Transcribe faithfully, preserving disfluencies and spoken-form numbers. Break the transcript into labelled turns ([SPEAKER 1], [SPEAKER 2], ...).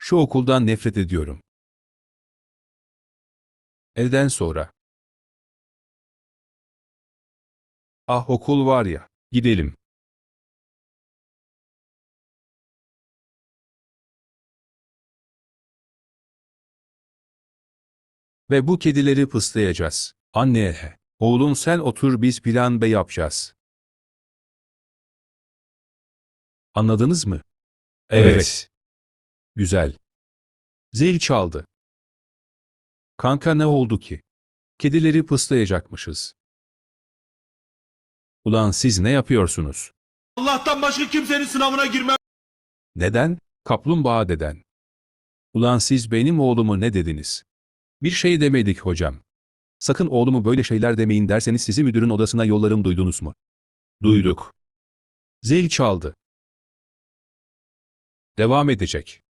[SPEAKER 1] Şu okuldan nefret ediyorum. Elden sonra. Ah okul var ya. Gidelim. Ve bu kedileri pıslayacağız. Anne, oğlum sen otur biz plan B yapacağız. Anladınız mı?
[SPEAKER 2] Evet.
[SPEAKER 1] Güzel. Zil çaldı. Kanka ne oldu ki? Kedileri pıslayacakmışız. Ulan siz ne yapıyorsunuz?
[SPEAKER 2] Allah'tan başka kimsenin sınavına girmem.
[SPEAKER 1] Neden? Kaplumbağa deden. Ulan siz benim oğlumu ne dediniz? Bir şey demedik hocam. Sakın oğlumu böyle şeyler demeyin derseniz sizi müdürün odasına yollarım duydunuz mu? Duyduk. Zil çaldı. Devam edecek.